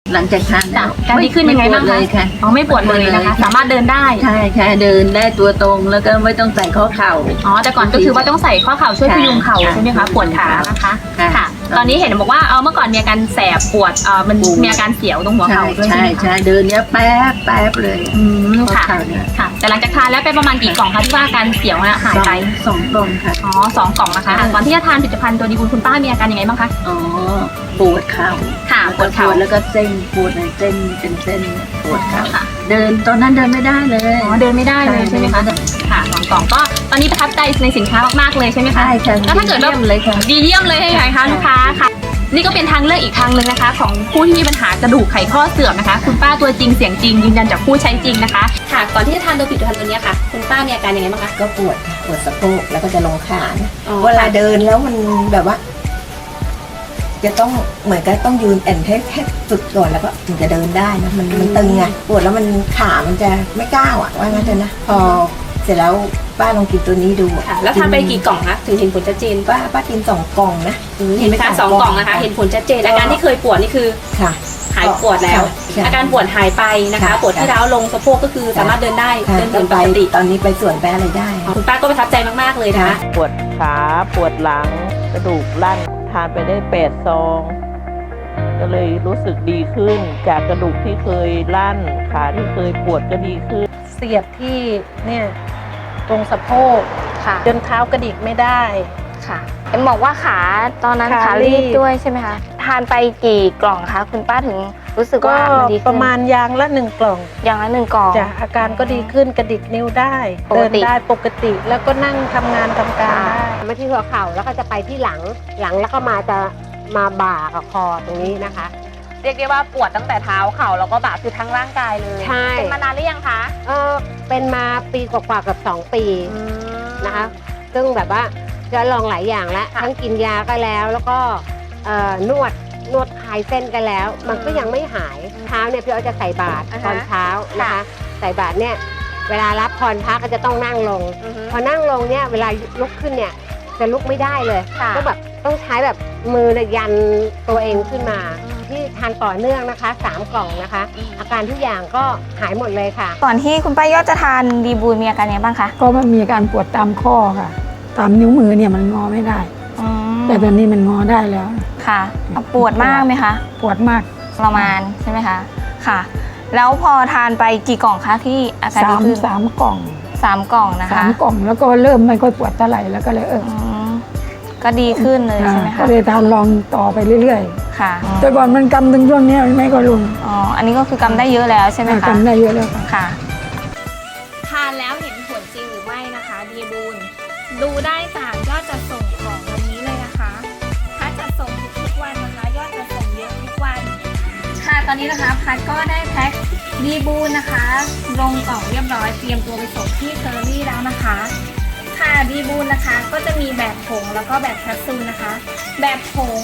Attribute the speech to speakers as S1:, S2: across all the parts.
S1: หลังจากทานแล้ว
S2: การดีขึ้นยังไงบ้าง
S1: ม่ปวดเลยค่ะ
S2: อ๋อไม่ปวดเลยนะคะ สามารถเดินได้
S1: ใช่ใช่เดินได้ตัวตรงแล้วก็ไม่ต้องใส่ข้อเข่า
S2: อ๋อแต่ก่อนก็คือว่าต้องใส่ข้อเข่าช่วยพยุงเข่าใช่ไหมคะปวดขานะคะ ค่ะ ตอนนี้เห็นบอกว่าเมื่อก่อนมีอาการแสบปวดมันมีอาการเสียวตรงหัว
S1: ใช่
S2: เข่าด้วยใช่
S1: ใช่
S2: ไหมคะ
S1: ใช่เดินเนี้ยแป๊บแป๊บเลย
S2: ค่ะ
S1: ข้อเข่าเนี่ย
S2: ค่ะ แต่หลังจากทานแล้วไปประมาณกี่กล่องคะที่ว่าอาการเสียวหายไป
S1: สองกล่องค่ะ
S2: อ๋อ2 กล่องนะคะก่อนที่จะทานผลิตภัณฑ์ตัวดีบุญคุณป้ามีอาการยังไงบ้างคะ
S1: อ๋อปวดเข่า
S2: ค่ะปวดเข่า
S1: แล้วก็เส้นปวดในเส้นเป็นเส้นปวดเข่า
S2: ค่ะ
S1: เดินตอนนั้นเดินไม่ได้เลย
S2: อ๋อเดินไม่ได้เลยใช่ไหมคะค่ะ2 กล่องก็ตอนนี้ประทับใจในสินค้ามากๆเลยใช่ไหมคะ
S1: ใช่ค่ะ
S2: แล้วถ้าเกิดว่า
S1: ยี่ยมเลยค่ะ
S2: ดีเยี่ยมเลยให้คะลูกค้าค่ะ นี่ก็เป็นทางเลือกอีกทางหนึ่งนะคะ ของผู้ที่มีปัญหากระดูกไขข้อเสื่อมนะคะ คุณป้าตัวจริงเสียงจริงยืนยันจากผู้ใช้จริงนะคะค่ะก่อนที่จะทานตัวผลิตภัณฑ์ตัวนี้ค่ะคุณป้ามีอาการยังไงบ้างคะ
S3: ก็ปวดค่ะปวดสะโพกแล้วก็จะลงขานะ
S2: อ๋อ
S3: เวลาเดินแล้วมันแบบว่า จะต้องเหมือนกับต้องยืนแอนให้ฝึกก่อนแล้วก็ถึงจะเดินได้นะมันตึงไงปวดแล้วมันขามันจะไม่ก้าวอ่ะว่างั้นเถอะนะพอเสร็จแล้วป้าลองกินตัวนี้ดู
S2: ค่ะแล้วทานไปกี่กล่องคะถึงเห็นผลชัดเจน
S3: ป้ากิน2 กล่องนะ
S2: เห็นไหมคะ2 กล่องนะคะ เห็นผลชัดเจนอาการที่เคยปวดนี่คือ
S3: ค่ะ
S2: หายปวดแล้ว
S3: ใช่
S2: อาการปวดหายไปนะคะ
S3: ค่ะ
S2: ปวดที่ร้าวลงสะโพกก็คือสามารถเดินได้
S3: ค่ะ
S2: เดินเหมื
S3: ก็
S2: อน
S3: ไป
S2: ปกติ
S3: ตอนนี้ไปสวนไปอะไรได้
S2: คุณป้าก็ประทับใจมากๆเลยนะคะ
S4: ปวดขาปวดหลังกระดูกลั่นทานไปได้8 ซอง ก็เลยรู้สึกดีขึ้นจากกระดูกที่เคยลั่นขาที่เคยปวดก็ดีขึ้น
S5: เสียบที่เนี่ยตรงสะโพก
S6: ค่ะ
S5: จนเท้ากระดิกไม่ได้
S6: ค่ะเอ็มบอกว่าขาตอนนั้น
S5: ขา
S6: ขา
S5: รี
S6: รี
S5: บ
S6: บด้วยใช่ไหมคะ ทานไปกี่กล่องคะคุณป้าถึงรู้สึก
S5: ก็
S6: ว่ามันดีขึ้น
S5: ประมาณยางละ1 กล่อง
S6: อย่างละ1 กล่อง
S5: จ้ะอาการก็ดีขึ้นกระดิกนิ้วได้
S6: ปกติ
S5: เดินได้ปกติแล้วก็นั่งทำงานทำการได้
S7: มาที่หัวเข่าแล้วก็จะไปที่หลังแล้วก็มาบ่ากับคอตรงนี้นะคะ
S6: เรียกได้ว่าปวดตั้งแต่เท้าเข่าแล้วก็บ่าคือทั้งร่างกายเลย
S7: ใช่
S6: เป็นมานานหรือยังคะ
S7: เป็นมาปีกว่าๆกับ2 ปีนะคะ ซึ่งแบบว่าจะลองหลายอย่างแล้ว
S6: ค่ะ
S7: ทั้งกินยาก็แล้วก็นวดคลายเส้นกันแล้ว มันก็ยังไม่หายเช้าเนี่ยพี่อ้อยจะใส่บาตรตอนเช้านะคะ ใส่บาตรเนี่ยเวลารับพรพระก็จะต้องนั่งลง พอนั่งลงเนี่ยเวลาลุกขึ้นเนี่ยจะลุกไม่ได้เลย
S6: ค่ะ
S7: ก็แบบต้องใช้แบบมือเนี่ยยันตัวเองขึ้นมา ที่ทานต่อเนื่องนะคะ3 กล่องนะคะ อาการทุกอย่างก็หายหมดเลยค่ะ
S6: ก่อนที่คุณป้ายอดจะทานดีบูลมีอาการยังไงบ้างคะ
S8: ก็มันมีอาการปวดตามข้อค่ะ ตามนิ้วมือเนี่ยมันงอไม่ได้
S6: อืม
S8: แต่ตอนนี้มันงอได้แล้ว
S6: ค่ะปวดมากไหมคะ
S8: ปวดมาก
S6: ประมาณใช่ไหมคะค่ะ แล้วพอทานไปกี่กล่องคะที่อาการดีขึ้น
S8: สามกล่อง
S6: 3 กล่องนะคะ
S8: 3 กล่องแล้วก็เริ่มไม่ค่อยปวดเท่าไหร่แล้วก็เลย
S6: อืมก็ดีขึ้นเลยใช่ไหม
S8: ก็
S6: คะ
S8: เลยทานลองต่อไปเรื่อย
S6: ค่ะ
S8: ๆ แต่ก่อนมันกำถึงช่วงเนี้ยไม่ก็ลง
S6: อ๋ออันนี้ก็คือกำได้เยอะแล้วใช่ไหมคะ
S8: กำได้เยอะแล้วค่ะ
S6: ค่ะ ทานแล้วเห็นผลจริงหรือไม่นะคะดีบูลดูได้จากยอดจัดส่งของวันนี้เลยนะคะ ถ้าจัดส่งทุกวันนะคะ ยอดจัดส่งเยอะทุกวันค่ะตอนนี้นะคะพัดก็ได้แพ็คดีบูลนะคะลงกล่องเรียบร้อยเตรียมตัวไปส่งที่เคอรี่แล้วนะคะค่ะดีบูลนะคะก็จะมีแบบผงแล้วก็แบบแคปซูลนะคะ แบบผง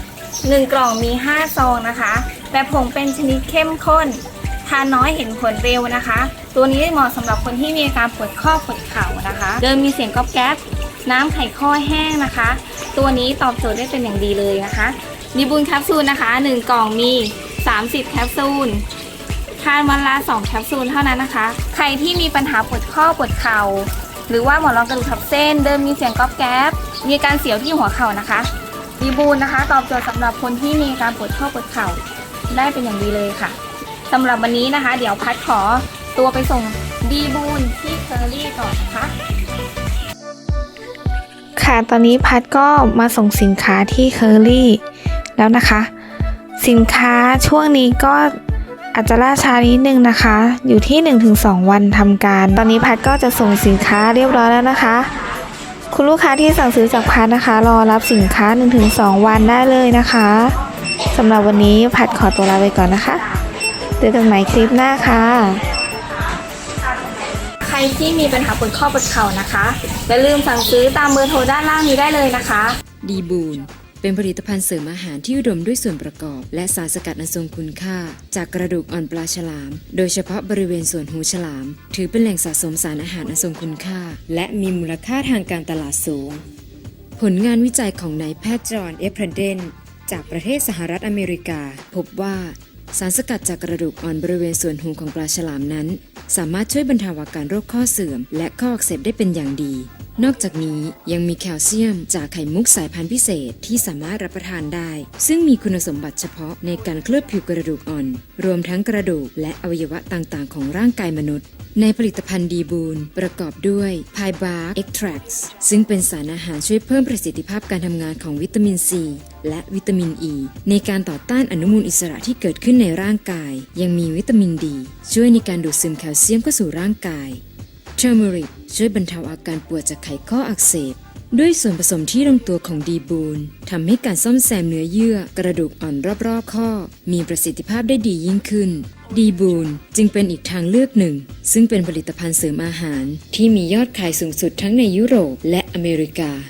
S6: 1 กล่องมี5 ซองนะคะ แบบผงเป็นชนิดเข้มข้น ทานน้อยเห็นผลเร็วนะคะ ตัวนี้เหมาะสำหรับคนที่มีอาการปวดข้อปวดเข่านะคะ เดินมีเสียงก๊อบแก๊บน้ำไขข้อแห้งนะคะ ตัวนี้ตอบโจทย์ได้เป็นอย่างดีเลยนะคะดีบูลแคปซูลนะคะ1 กล่องมี30 แคปซูลทานวันละ2 แคปซูลเท่านั้นนะคะ ใครที่มีปัญหาปวดข้อปวดเข่าหรือว่าหมอนรองกระดูกทับเส้น เดินมีเสียงก๊อบแก๊บมีอาการเสียวที่หัวเข่านะคะดีบูลนะคะตอบโจทย์สำหรับคนที่มีอาการปวดข้อปวดเข่าได้เป็นอย่างดีเลยค่ะสำหรับวันนี้นะคะ เดี๋ยวพัดขอตัวไปส่งดีบูลที่เคอรี่ก่อนนะคะ ค่ะตอนนี้พัดก็มาส่งสินค้าที่เคอรี่แล้วนะคะ สินค้าช่วงนี้ก็อาจจะล่าช้านิดนึงนะคะ อยู่ที่ 1-2 วันทำการ ตอนนี้พัดก็จะส่งสินค้าเรียบร้อยแล้วนะคะ คุณลูกค้าที่สั่งซื้อจากพัดนะคะ รอรับสินค้า 1-2 วันได้เลยนะคะสำหรับวันนี้พัดขอตัวลาไปก่อนนะคะเจอกันใหม่คลิปหน้าค่ะ ใครที่มีปัญหาปวดข้อปวดเข่านะคะอย่าลืมสั่งซื้อตามเบอร์โทรด้านล่างนี้ได้เลยนะคะ
S9: ดีบูลเป็นผลิตภัณฑ์เสริมอาหารที่อุดมด้วยส่วนประกอบและสารสกัดอันทรงคุณค่าจากกระดูกอ่อนปลาฉลามโดยเฉพาะบริเวณส่วนหูฉลามถือเป็นแหล่งสะสมสารอาหารอันทรงคุณค่าและมีมูลค่าทางการตลาดสูงผลงานวิจัยของนายแพทย์จอห์น เอฟเพรนเดนจากประเทศสหรัฐอเมริกาพบว่าสารสกัดจากกระดูกอ่อนบริเวณส่วนหูของปลาฉลามนั้น สามารถช่วยบรรเทาอาการโรคข้อเสื่อมและข้ออักเสบได้เป็นอย่างดี นอกจากนี้ยังมีแคลเซียมจากไข่มุกสายพันธุ์พิเศษที่สามารถรับประทานได้ ซึ่งมีคุณสมบัติเฉพาะในการเคลือบผิวกระดูกอ่อน รวมทั้งกระดูกและอวัยวะต่างๆของร่างกายมนุษย์ในผลิตภัณฑ์ดีบูนประกอบด้วย Pie Bark Extracts ซึ่งเป็นสารอาหารช่วยเพิ่มประสิทธิภาพการทำงานของวิตามินซีและวิตามินอ e ีในการต่อต้านอนุมูลอิสระที่เกิดขึ้นในร่างกายยังมีวิตามินดีช่วยในการดูดซึมแคลเซียมเข้าสู่ร่างกายเทอร์เมริกช่วยบรรเทาอาการปวดจากไขข้ออักเสบด้วยส่วนผสมที่ลงตัวของดีบูนทำให้การซ่อมแซมเนื้อเยื่อกระดูกอ่อนรอบๆข้อมีประสิทธิภาพได้ดียิ่งขึ้นดีบูนจึงเป็นอีกทางเลือกหนึ่งซึ่งเป็นผลิตภัณฑ์เสริมอาหารที่มียอดขายสูงสุดทั้งในยุโรปและอเมริกา